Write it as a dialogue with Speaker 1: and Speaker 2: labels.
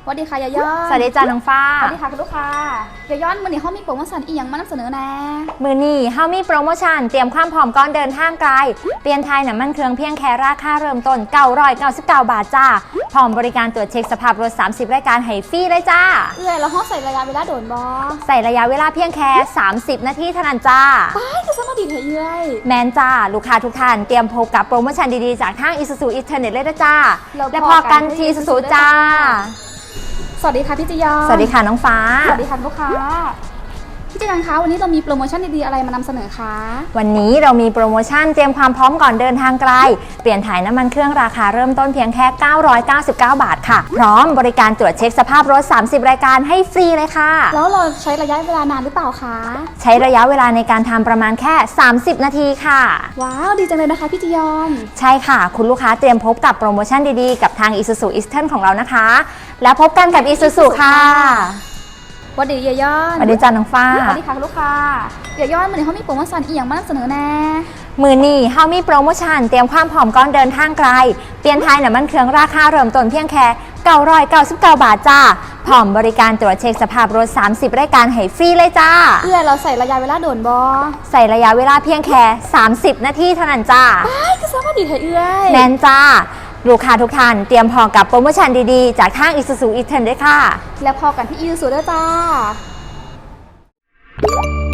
Speaker 1: สวัสดีค่ะยาย้อน
Speaker 2: สวัสดีจ้าน้องฟ้า
Speaker 1: สวัสดีค่ะคุณลูกค้ายาย้อนมือนี้เขามีโปรโมชั่นอีกอย่างมานำเสนอแน่
Speaker 2: มือนี้เฮามีโปรโมชั่นเตรียมความพร้อมก่อนเดินทางไกลเปลี่ยนไทยน้ำมันเครื่องเพียงแค่ราคาเริ่มต้น999 บาทจ้าพร้อมบริการตรวจเช็คสภาพรถ30รายการให้ฟรีเลยจ้า
Speaker 1: แล้วห้องใส่ระยะเวลาโดนบอ
Speaker 2: ใส่ระยะเวลาเพียงแค่30นาทีเท่านั้นจ้า
Speaker 1: ไปก็สมัครดีเถอะเอ้ย
Speaker 2: แมนจ้าลูกค้าทุกท่านเตรียมพบกับโปรโมชั่นดีๆจากทาง Isuzu Internet เลยนะจ้าและพอกันที่ Isuzu จ้า
Speaker 1: สวัสดีค่ะพี่จียอน
Speaker 2: สวัสดีค่ะน้องฟ้า
Speaker 1: สวัสดีค่ะลูกค้าพี่จียอนคะวันนี้เรามีโปรโมชั่นดีๆอะไรมานำเสนอคะ
Speaker 2: วันนี้เรามีโปรโมชั่นเตรียมความพร้อมก่อนเดินทางไกลเปลี่ยนถ่ายน้ำมันเครื่องราคาเริ่มต้นเพียงแค่999 บาทค่ะพร้อมบริการตรวจเช็คสภาพรถ30รายการให้ฟรีเลยค่ะ
Speaker 1: แล้วเราใช้ระยะเวลานานหรือเปล่าคะ
Speaker 2: ใช้ระยะเวลาในการทำประมาณแค่30นาทีค่ะ
Speaker 1: ว้าวดีจังเลยนะคะพี่จียอน
Speaker 2: ใช่ค่ะคุณลูกค้าเตรียมพบกับโปรโมชั่นดีๆกับทาง Isuzu Eastern ของเรานะคะแล้วพบกันกับ Isuzu ค่ะ
Speaker 1: สวัสดียาย้อน
Speaker 2: สวัสดีจ้าน้องฟ้า
Speaker 1: สวัสดีค่ะลูกค้ายาย้อนมือนี้เขามีโปรโมชั่นอีกอย่างมานำเสนอแน่
Speaker 2: มือนี้เฮามีโปรโมชั่นเตรียมความพร้อมก่อนเดินทางไกลเปลี่ยนไทยน้ำมันเครื่องราคาเริ่มต้นเพียงแค่999 บาทจ้าพร้อมบริการตรวจเช็คสภาพรถ30รายการให้ฟรีเลยจ้า
Speaker 1: เราใส่ระยะเวลาโดนบอ
Speaker 2: ใส่ระยะเวลาเพียงแค่30นาทีเท่านั้นจ้า
Speaker 1: ไปก็สมัครดีเถอะเอ้ย
Speaker 2: แมนจ้าลูกค้าทุกท่านเตรียมพอกับโปรโมชั่นดีๆจากทาง Isuzu Eastern ด้วยค่ะ
Speaker 1: แล้วพอกันที่ Isuzu ด้วยจ้า